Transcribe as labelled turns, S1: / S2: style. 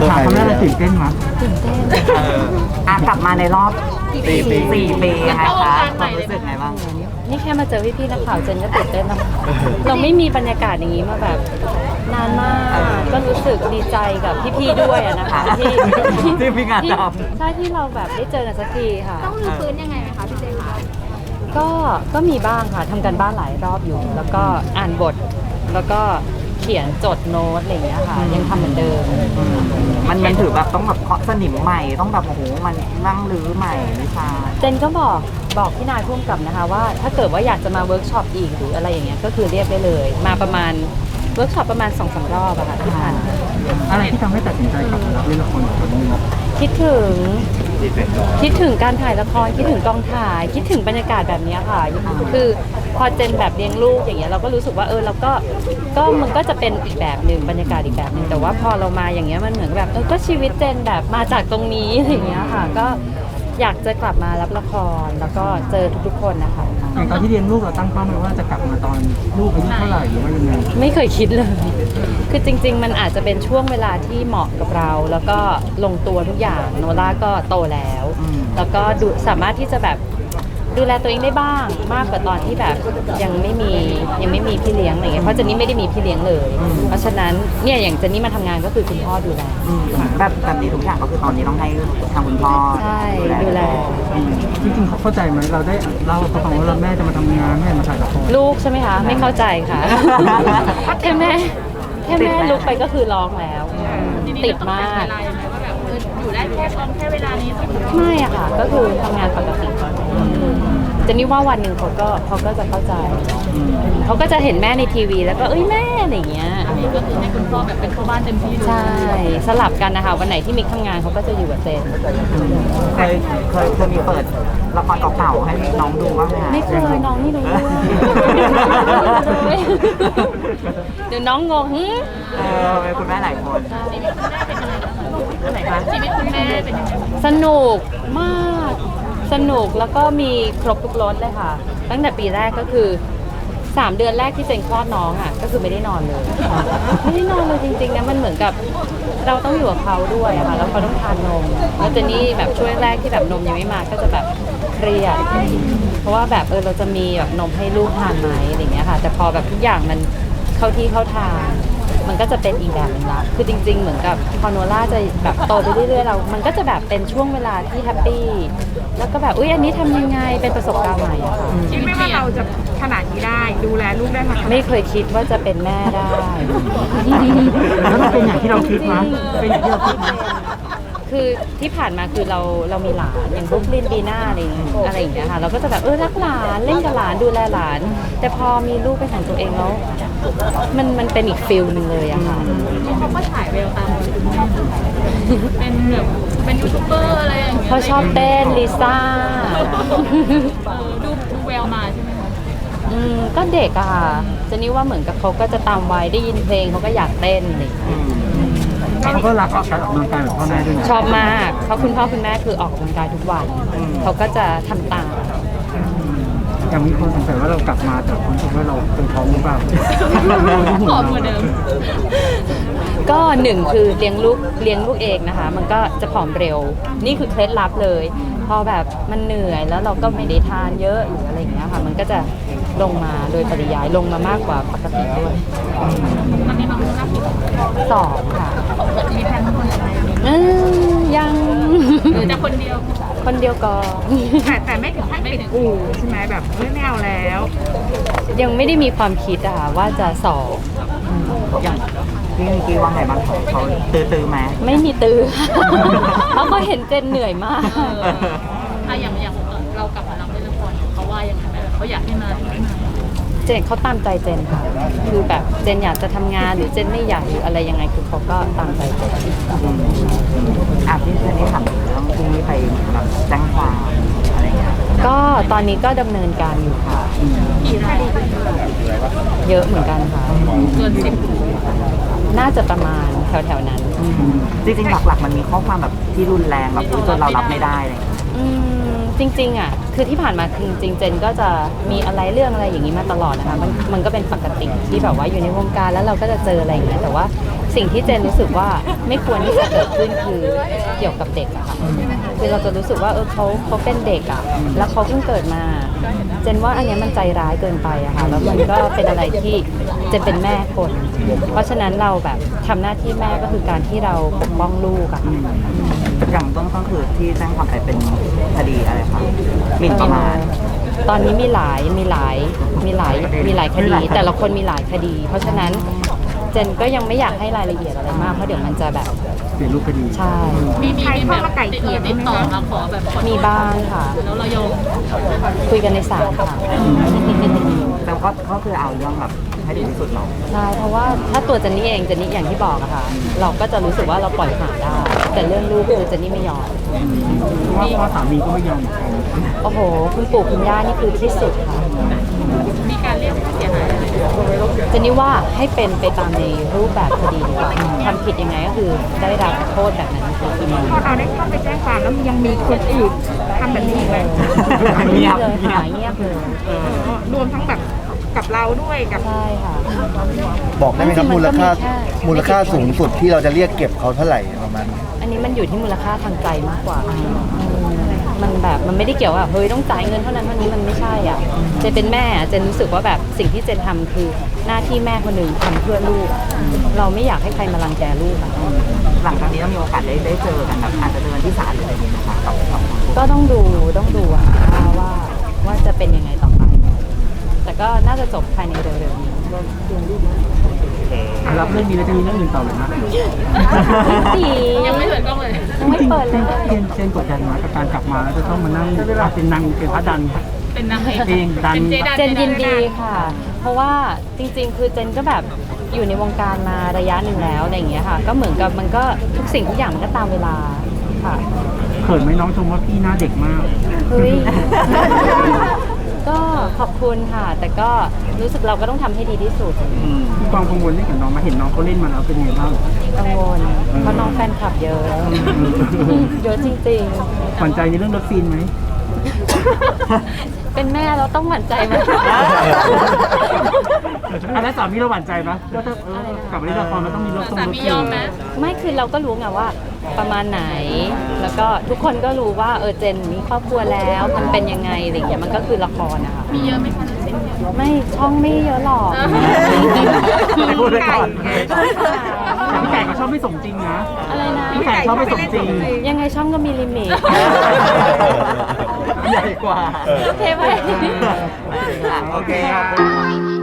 S1: ถามคำแรกเลยตื่นเต้นมั้ย
S2: ตื่นเต้น
S3: กลับมาในรอบ4 ปียังไงคะความรู้สึกไงบ้าง
S2: นี่แค่มาเจอพี่ๆนักข่าวเจนก็ตื่นเต้นแล้วเราไม่มีบรรยากาศอย่างนี้มาแบบนานมาก ก็รู้สึกดีใจกับพี่ๆด้วยนะคะ
S3: ที่พี่งานท
S2: ใช่ที่เราแบบได้เจอกันสักทีค่ะ
S4: ต้องรื้อฟื้นยังไงไหมคะพี่เจคะ
S2: ก็มีบ้างค่ะทำกันบ้านหลายรอบอยู่ แล้วก็อ่านบท แล้วก็เขียนจดโน้ตอะไรอย่างเงี้ยค่ะ ยังทำเหมือนเดิม
S3: มันถือแบบต้องแบบเคาะสนิมใหม่ต้องแบบโอ้โหมันนั่งรื้อใหม่วิชา
S2: เจนก็บอกพี่นายพุ่มกับนะคะว่าถ้าเกิดว่าอยากจะมาเวิร์กช็อปอีกหรืออะไรอย่างเงี้ยก็คือเรียกได้เลย มาประมาณเวิร์กช็อปประมาณ 2-3 รอบอะค่ะที่ผ่านมา
S1: อะไรที่ทำให้ตัดสินใจกลับมารับเล่นละครอีกครั้งหนึง
S2: คิดถึงการถ่ายละครคิดถึงกองถ่าย คิดถึงบรรยากาศแบบเนี้ยค่ะคือพอเจนแบบเลี้ยงลูกอย่างเงี้ยเราก็รู้สึกว่าเราก็มันก็จะเป็นอีกแบบหนึ่งบรรยากาศอีกแบบหนึ่งแต่ว่าพอเรามาอย่างเงี้ยมันเหมือนแบบก็ชีวิตเจนแบบมาจากตรงนี้อะไรอย่างเงี้ยค่ะก็อยากจะกลับมารับละครแล้วก็เจอทุกๆคนนะคะ
S1: อย่างตอนที่เลี้ยงลูกเราตั้งเป้าไว้ว่าจะกลับมาตอนลูกอายุเท่าไหร่หรือว่ายังไง
S2: ไม่เคยคิดเลย คือจริงๆ มันอาจจะเป็นช่วงเวลาที่เหมาะกับเรา แล้วก็ลงตัวทุกอย่าง โนล่าก็โตแล้ว แล้วก็สามารถที่จะแบบดูแลตัวเองได้บ้าง มากกว่าตอนที่แบบยังไม่มีพี่เลี้ยงอะไรเงี้ย เพราะเจนนี่ไม่ได้มีพี่เลี้ยงเลย เพราะฉะนั้นเนี่ยอย่างเจนนี่มาทำงานก็คือคุณพ่อดูแล
S3: แบบนี้ทุกอย่างก็คือตอนนี้ต้องให้ทางคุณพ่อ
S2: ใช่ดูแล
S1: จริงๆเขาเข้าใจไหมเราได้เล่าให้เขาฟังว่าเราแม่จะมาทำงานแม่มาถ่ายละคร
S2: ลูกใช่ไหมคะ ไม่เข้าใจค่ะ แค่แม่ลุกไปก็คือร้องแล้ว ติดมาก
S4: ว่าแบบอยู่ได้แค่เวลานี้
S2: ไม่อะค่ะ ก็คือทำงานปกติเจนนี่ว่าวันหนึ่งเขาก็จะเข้าใจ เขาก็จะเห็นแม่ในทีวีแล้วก็แม่อะไรอย่างเงี้ย
S4: ก็คือให้คุณพ่อแบบเป็นพ่อบ้านเต็มที่
S2: ใช่สลับกันนะคะวันไหนที่มิกทำงานเขาก็จะอยู่กับเจน
S3: เคยมีเปิดละครเก่าๆให้น้องดูบ้างไหมคะ
S2: ไม่เคยน้องไม่รู้เรื่องเดี๋ยวน้องงง
S3: เป็นคุณแม่หลายคน
S2: อันไหนคะ
S4: ชีวิตคุณแม่เป็นยังไง
S2: สนุกมากสนุกแล้วก็มีครบทุกรสเลยค่ะ ตั้งแต่ปีแรกก็คือ3 เดือนแรกที่เจนคลอดน้องอ่ะก็คือไม่ได้นอนเลย ไม่ได้นอนเลยจริงๆนะมันเหมือนกับเราต้องอยู่กับเขาด้วยอะค่ะแล้วเขาต้องทานนมแล้วเจนนี่แบบช่วงแรกที่แบบนมยังไม่มาก็จะแบบเครียดเพราะว่าแบบเราจะมีแบบนมให้ลูกทานไหมอะไรอย่างเงี้ยค่ะแต่พอแบบทุกอย่างมันเข้าที่เข้าทางมันก็จะเป็นอีกแบบหนึงละคือจริงๆเหมือนกับพอโนล่าจะแบบโตไปเรื่อยๆเรามันก็จะแบบเป็นช่วงเวลาที่แฮปปี้แล้วก็แบบอันนี้ทำยังไงเป็นประสบการณ์ใหม่อะค่ะ
S4: คิดไม่ว่าเราจะขนาดนี้ได้ดูแลลูกได้ขนาดนี้
S2: ไม่เคยคิดว่าจะเป็นแม่ได้
S1: แล้วมันเป็นอย่างที่เราคิดมั้ยเป็นอย่างที่เราคิดมั้ย
S2: คือที่ผ่านมาคือเรามีหลานอย่างบรุ๊คลินบีน่าอะไรอย่างเงี้ยค่ะเราก็จะแบบรักหลานเล่นกับหลานดูแลหลาน แต่พอมีลูกเป็นของตัวเองแล้วมันเป็นอีกฟิลหนึ่งเลยอะค่ะ
S4: เขาก็ฉายแววตามคุณแม่เป็นแบบเป็นยูทูบเบอร์อะไรอย่างเงี้ย
S2: เขาชอบเต้นลิซ่า
S4: ดูแววมาใช่ไหมคะ
S2: ก็เด็กอะค่ะเจนนี่ว่าเหมือนกับเขาก็จะตามวัยได้ยินเพลงเขาก็อยากเต้นอะไรอย่างเงี้ย
S1: เขาก็รักการออกกำลังกายแบบพ่อแม่ด้วยนะ
S2: ชอบมากเพราะคุณพ่อคุณแม่คือออกกำลังกายทุกวันเขาก็จะทำตาม
S1: อย่างมีคนสงสัยว่าเรากลับมาแต่คนคิดว่าเราเป็นท้องหรือเปล่า
S4: ผอมกว่าเดิม
S2: ก็หนึ่งคือเลี้ยงลูกเองนะคะ มันก็จะผอมเร็ว นี่คือเคล็ดลับเลย พอแบบมันเหนื่อยแล้วเราก็ไม่ได้ทานเยอะหรืออะไรอย่างเงี้ยค่ะ มันก็จะลงมาโดยปริยายลงมามากกว่าปกติด้วย
S4: ตอนนี้น้องรับอยู่
S2: 2 ค่ะ
S4: มีแพลนทั้งหมดอะไร
S2: ยัง
S4: หรือจะคนเดียว
S2: คนเดียวก่อน
S4: แต่ไม่ถึงขั้นปิดอู่ใช่ไหมแบบไม่เอาแล้ว
S2: ยังไม่ได้มีความคิดอะค่ะว่าจะสอง
S3: อย่างพี่มิกกี้ว่าไงบ้างเขาตื้อไหม
S2: ไม่มีตื้อ เพราะเขาเห็นเจนเหนื่อยมาก
S4: อย่างเรากลับมารับเล่นละครเขาว่ายังไงแบบเขาอยากให้มาไม่มา
S2: เจนเขาตามใจเจนค่ะ คือแบบเจนอยากจะทำงานหรือเจนไม่อยากหรืออะไรยังไงคือเขาก็ตามใจเจน
S3: พี่เจนนี่ถามเรื่องพรุ่งนี้ไปแบบแจ้งความอะไรเงี้ย
S2: ก็ตอนนี้ก็ดำเนินการอยู่ค่ะ
S4: กี่ราย
S2: เยอะเหมือนกันค่ะ
S4: เกิน10
S2: น่าจะประมาณแถวๆนั้น
S3: จริงๆหลักๆมันมีข้อความแบบที่รุนแรงแบบจนเรารับไม่ได้เลย
S2: จริงๆอ่ะคือที่ผ่านมาคือจริงๆเจนก็จะมีอะไรเรื่องอะไรอย่างนี้มาตลอดนะคะมันก็เป็นปกติที่แบบว่าอยู่ในวงการแล้วเราก็จะเจออะไรอย่างเงี้ยแต่ว่าสิ่งที่เจนรู้สึกว่าไม่ควรที่จะเกิดขึ้นคือเกี่ยวกับเด็กอะค่ะคือเราจะรู้สึกว่าเขาเป็นเด็กอะแล้วเขาเพิ่งเกิดมาเจนว่าอันเนี้ยมันใจร้ายเกินไปอะค่ะแล้วมันก็เป็นอะไรที่เจนเป็นแม่คน เพราะฉะนั้นเราแบบทำหน้าที่แม่ก็คือการที่เราปกป้องลูกอะค่ะ
S3: อย่างต้นก็คือที่แจ้งความไปเป็นคดีอะไรคะหมิ่นประมาท
S2: ตอนนี้มีหลายคดี แต่ละคนมีหลายคดี เพราะฉะนั้นเจนก็ยังไม่อยากให้รายละเอียดอะไรมากเพราะเดี๋ยวมันจะแบบ
S1: เปลี่ยนรูปคดี
S2: ใช่
S4: มีแบบติดต่อมาขอแบบขอโทษ
S2: มีบ้างค่ะ
S4: แล้วเรายอม
S2: คุยกันในศาลค่ะ
S3: แต่ก็คือเอาเรื่องแบบให้ดีที่สุดเนาะ
S2: ใช่เพราะว่าถ้าตัวเจนนี่เองเจนนี่อย่างที่บอกอะค่ะ เราก็จะรู้สึกว่าเราปล่อยผ่านได้ แต่เรื่องลูกคือเจนนี่ไม่ยอม
S1: เพราะว่าสามีก็ไม่ยอมเหมือนกัน
S2: โอ้โห คุณปู่คุณย่านี่คือที่สุดค่ะ
S4: มีการเรียกค่าเสียหายอะไร
S2: เจนนี่ว่าให้เป็นไปตามในรูปแบบคดีดีกว่าทำผิดยังไงก็คือได้รับโทษแบบนั้นค่ะ
S5: พอเราได้เข้าไปแจ้งความแล้วยังมีคนอื่นทำแบบนี้อีกไหม
S2: เงียบเลยหายเงียบเลย
S5: รวมทั้งแบบกับเราด้วยกับ
S2: ใช่ค่ะ
S6: บอกได้ไหมครับ
S2: จริงๆ
S6: มูลค่า
S2: มันก็มีแค่
S6: มูลค่าสูงสุดที่เราจะเรียกเก็บเขาเท่าไหร่ประมาณนี้
S2: อันนี้มันอยู่ที่มูลค่าทางใจมากกว่ามันแบบมันไม่ได้เกี่ยวกับเฮ้ยต้องจ่ายเงินเท่านั้นเท่านี้มันไม่ใช่อ่ะเจนเป็นแม่อะเจนรู้สึกว่าแบบสิ่งที่เจนทำคือหน้าที่แม่คนหนึ่งทำเพื่อลูก เราไม่อยากให้ใครมารังแกลูกอะ
S3: หลังจากนี้ต้องมีโอกาสได้เจอกันแบบอาจจะเดินที่ศาลหรืออะไรอย่างเงี้ยนะคะกับ
S2: ก็ต้องดูอะว่าจะเป็นยังไงต่อไป แต่ก็น่าจะจบภายในเร็วๆนี้
S1: รับเรื่องนี้แล้วจะมีเรื่องอื่นต่อเลยนะ
S4: ยังไม่เปิดกล้องเลย
S2: ยังไม่เปิดเลย
S1: เช่นกดดันมากับการกลับมาแล้วจะต้องมานั่งเป็นนางเป็นพระดัน
S4: เป็นนางเอก
S1: เองดัน
S4: เป็นเจดัน
S2: เจนยินดีค่ะ เพราะว่าจริงๆ คือเจนก็แบบอยู่ในวงการมาระยะหนึ่งแล้วอะไรอย่างเงี้ยค่ะ ก็เหมือนกับมันก็ทุกสิ่งทุกอย่างมันก็ตามเวลาค่ะ
S1: เขินไหมน้องชมว่าพี่หน้าเด็กมาก
S2: เฮ้ย ก็ขอบคุณค่ะ แต่ก็รู้สึกเราก็ต้องทำให้ดีที่สุด
S1: มีความกังวลเรื่องกับน้องมาเห็นน้องเขาเล่นมาแล้วเป็นไงบ้าง
S2: กังวลเพราะน้องแฟนคลับเยอะ เยอะจริง
S1: หวั่นใจในเรื่องรถซีนไหม
S2: ๆ เป็นแม่เราต้องหวั่นใจไหม
S1: อันนั้นสามีเราหวั่นใจปะก็ถ้ากลับมาเล่นละครมันต้องมีรถ
S4: สามียอมไหม
S2: ไม่คือเราก็รู้ไงว่าประมาณไหน แล้วก็ทุกคนก็รู้ว่าเจนมีครอบครัวแล้วมันเป็นยังไงอะไรอย่างเงี้ยมันก็คือละครนะคะ
S4: มีเยอะไหมคะ
S2: ไม่ช่องไม่เยอะหรอก
S1: ไม่พูดเลยก่อนแต่พี่ไก่ก็ชอบไม่สมจริงนะ
S2: อะไรนะ
S1: พี่ไก่ชอบไม่สมจริง
S2: ยังไงช่องก็มีลิมิต
S3: ใหญ่กว่า
S2: โอเคไหม
S3: โอเคครับ